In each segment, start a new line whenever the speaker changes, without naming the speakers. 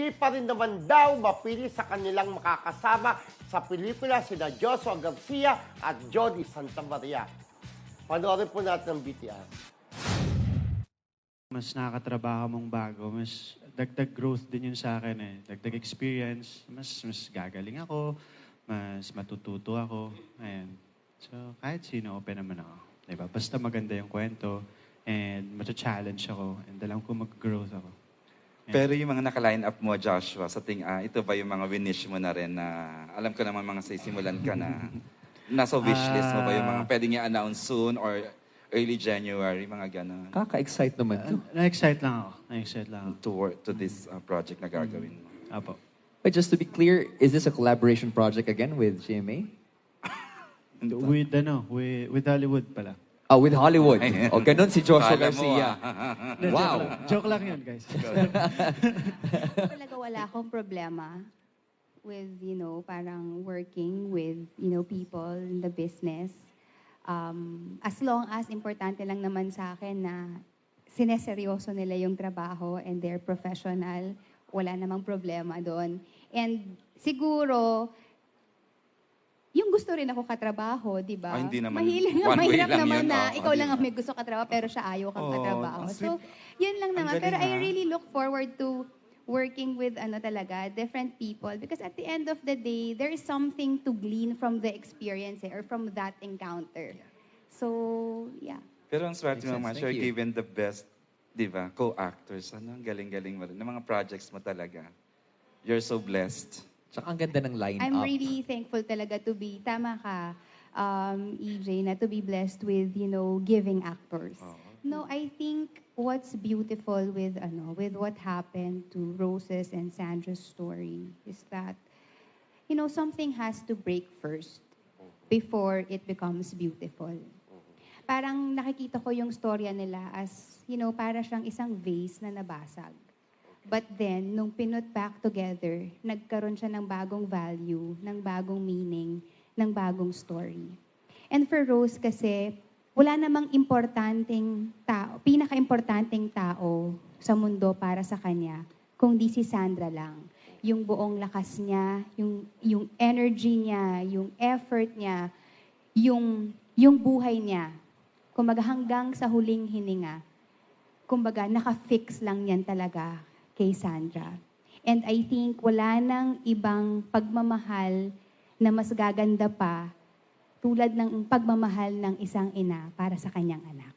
Hindi pa rin naman daw mapili sa kanilang makakasama sa pelikula sina Joshua Garcia at Jody Santa Maria. Panoorin po natin ang BTR.
Mas nakakatrabaho mong bago, mas dagdag growth din yun sa akin eh. Dagdag experience, mas gagaling ako, mas matututo ako. Ayan. So, kahit sino, open naman ako. Diba? Basta maganda yung kwento and mata-challenge ako and alam ko mag-growth ako. Ayan.
Pero yung mga naka-line up mo, Joshua, sa ito ba yung mga winish mo na rin na alam ko naman mga sisimulan ka na nasa wishlist mo ba yung mga pwedeng i-announce soon or early January, mga gano'n?
Kaka-excite naman to.
Na-excite lang ako. Na-excite lang ako.
To work to this project na gagawin mo.
Apo.
But just to be clear, is this a collaboration project again with GMA?
With Hollywood pala.
Oh, with Hollywood. O, ganun si Joshua
Kala mo,
Garcia. Wow.
Joke lang yun, guys.
Talaga wala akong problema with, parang working with, people in the business. As long as importante lang naman sa akin na sineseryoso nila yung trabaho and they're professional, wala namang problema doon. And siguro, yung gusto rin ako katrabaho, di ba?
Hindi naman.
Mahirap
lang
naman
yun,
na ikaw lang
di
ang
ba?
may gusto katrabaho pero siya ayaw kang katrabaho.
ang
So,
sweet.
yun lang naman.
Ang
Pero
galing,
I really look forward to working with different people because at the end of the day, there is something to glean from the experience or from that encounter. So, yeah.
Pero ang swerte
Makes
mo
sense.
naman,
Thank
you're
you.
given the best, di ba, co-actors. Ano, ang galing-galing mo rin. Ng mga projects mo talaga. You're so blessed.
Tsaka ang ganda ng line-up.
I'm really thankful talaga to be, tama ka, EJ, na to be blessed with, giving actors. No, I think what's beautiful with what happened to Rose's and Sandra's story is that, something has to break first before it becomes beautiful. Parang nakikita ko yung storya nila as, para siyang isang vase na nabasag. But then, nung pinut back together, nagkaroon siya ng bagong value, ng bagong meaning, ng bagong story. And for Rose kasi, wala namang importanteng tao, pinaka-importanteng tao sa mundo para sa kanya, kundi si Sandra lang. Yung buong lakas niya, yung energy niya, yung effort niya, yung buhay niya. Kumbaga hanggang sa huling hininga, kumbaga naka-fix lang yan talaga kay Sandra. And I think wala nang ibang pagmamahal na mas gaganda pa tulad ng pagmamahal ng isang ina para sa kanyang anak.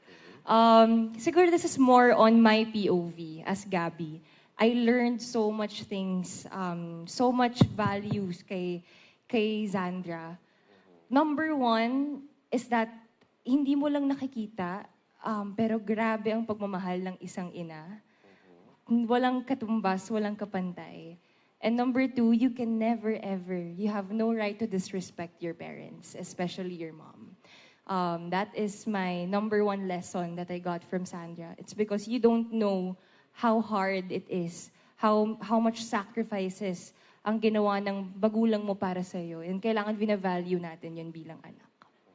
Siguro this is more on my POV as Gabby. I learned so much things, so much values kay Sandra. Number one is that hindi mo lang nakikita, pero grabe ang pagmamahal ng isang ina. Walang katumbas, walang kapantay. And number two, you can never ever, you have no right to disrespect your parents, especially your mom. That is my number one lesson that I got from Sandra. It's because you don't know how hard it is, how much sacrifices ang ginawa ng magulang mo para sa iyo. And kailangan bina-value natin yun bilang anak.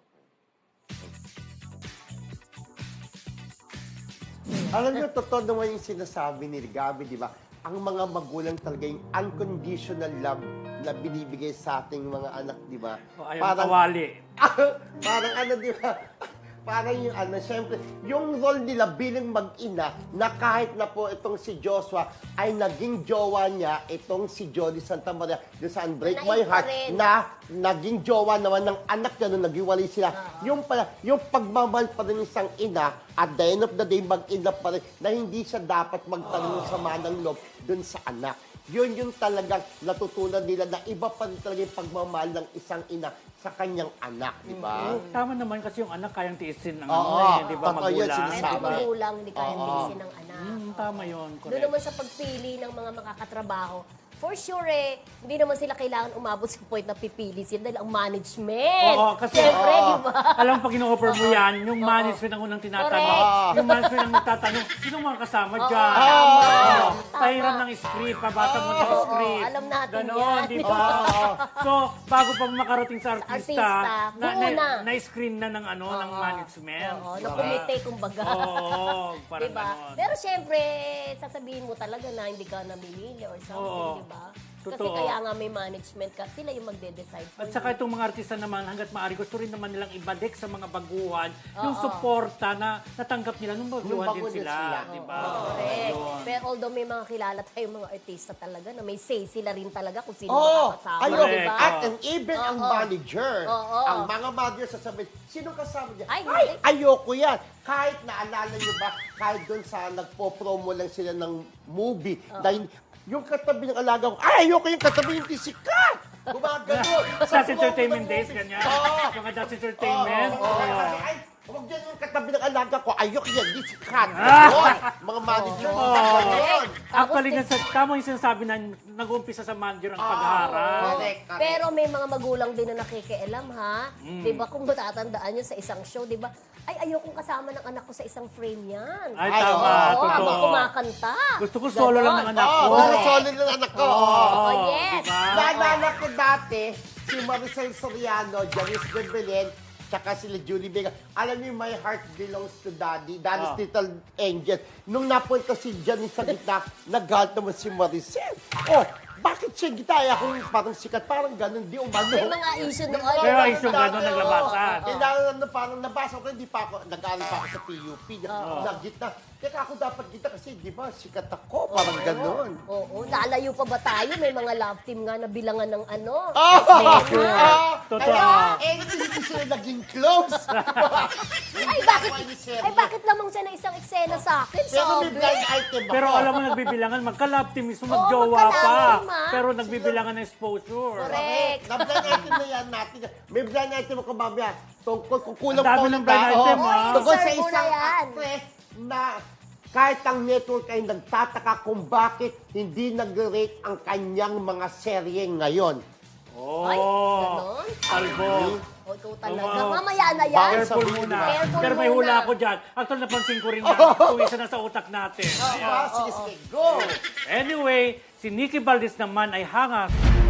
Alam niyo, totoo naman yung sinasabi ni Gabi, di ba? Ang mga magulang talaga yung unconditional love na binibigay sa ating mga anak, di ba?
Ayaw kawali.
Parang di ba? Parang yung siyempre, yung role nila bilang mag-ina na kahit na po itong si Joshua ay naging jowa niya, itong si Jody Santa Maria, yung sa Unbreak My Heart, na naging jowa naman ng anak niya nung naghiwalay sila. Yung pala, yung pagmamahal pa rin isang ina, at the end of the day, mag-ina pa rin, na hindi siya dapat magtanong ng sama ng loob dun sa anak. Yun yung talagang natutunan nila na iba pa rin talaga yung pagmamahal ng isang ina sa kanyang anak, di ba?
Tama naman kasi yung anak kayang tiisin ng
Oo,
di ba,
totoo yun,
magulang.
sinasabi.
Kahit ang magulang, hindi kayang tiisin ng anak.
Tama yun,
Doon
correct.
naman sa pagpili ng mga makakatrabaho, for sure hindi naman sila kailangan umabot sa point na pipili sila dahil ang management.
Oo, kasi
Siyempre, di ba?
alam pag ino-offer mo yan, yung management ang unang tinatanong.
Correct.
Yung management ang nagtatanong, sino mga kasama dyan?
Tama.
Ano,
Tama.
pahiram ng script, pabasa mo ng
Oo,
script.
alam natin
Ganon,
yan.
di ba? So, bago pa makarating sa artista,
muna.
na-screen na ng ng management.
Oo,
di
na
ba?
komite, kumbaga.
Oo, parang
Diba?
ganon.
Pero syempre, sasabihin mo talaga na hindi ka namimili or something,
Oo.
diba? Kasi
Totoo.
kaya nga may management ka, sila yung magde-decide for
At saka
you.
itong mga artista naman, hanggat maaari, gusto rin naman nilang ibalik sa mga baguhan yung suporta na natanggap nila nung baguhan
bago
din
din
sila.
sila.
Di ba?
Correct.
Yun.
Pero although may mga kilala tayong mga artista talaga na may say sila rin talaga kung sino
Oh,
makakasama,
ayun.
Correct.
diba?
At and even ang manager,
Oo.
ang mga manager sasabihin, sino kasama niya?
Ay,
Ay,
hindi.
ayoko yan. Kahit naalala niyo ba, kahit doon sa nagpo-promo lang sila ng movie, dahil yung katabi ng alaga ko, ay, ayoko yung katabi yung sikat. Gumagano.
That's Entertainment Days, ganyan. Yung That's Entertainment.
Ay, huwag yan yung katabi ng alaga ko, ayoko yan, di sikat. Ganon. Mga manager, ganon.
Actually, tama yung sinasabi na nag-uumpisa sa manager ang pagharap.
Correct, correct.
Pero may mga magulang din na nakikialam, ha? Di ba, kung matatandaan nyo sa isang show, di ba, ay, ayokong kasama ng anak ko sa isang frame yan.
Ay,
Ay,
tama.
oo,
Oo, habang
Totoo.
kumakanta.
Gusto ko solo lang ng anak ko.
Solo ng anak ko.
Oh, yes.
Diba?
Naalala ko dati, si Maricel Soriano, Janice de Belen, tsaka sila Julie Vega. Alam niyo, My Heart Belongs to Daddy, Daddy's Little Angel. Nung napunta si Janice sa gitna, nag-halt naman si Maricel. Oh, bakit siya gitna? Ay, ako parang sikat, parang ganun, di umano.
May mga issue doon.
May mga issue ganun naglabasan.
Kailangan na parang nabasa ko, hindi pa ako, nag-aaral pa ako sa PUP, nag-gitna. Teka, ako dapat gitna kasi, di ba, sikat ako, parang ganun.
Oo, lalayo pa ba tayo? May mga love team nga na bilangan ng ano.
Totoo.
Hindi sila naging close.
Ay, bakit lamang siya na isang eksena sa akin?
Pero may
Sabi.
blind item ako.
Pero alam mo, nagbibilangan, magka-love team mismo,
Oo,
magjowa
magka-love
pa.
team, ah.
Pero nagbibilangan ng exposure.
Correct.
Na blind item na yan natin. May blind item ako mamaya. Tungkol kung kulang
Ang dami
pa
ng blind item, ah.
Tungkol sa
Serve mo na
isang
yan.
actress na kahit ang network ay nagtataka kung bakit hindi nag-rate ang kanyang mga serye ngayon.
Ay,
Oh,
ganon.
talbo.
O, ikaw talaga.
Oo.
Mamaya na yan.
Bawal
Careful
sabihin,
muna.
Careful
Pero may
muna.
hula ako dyan. Actually, napansin ko rin na tuwisa na sa utak natin.
Sige, sige, go!
Anyway, si Nikki Valdez naman ay hanga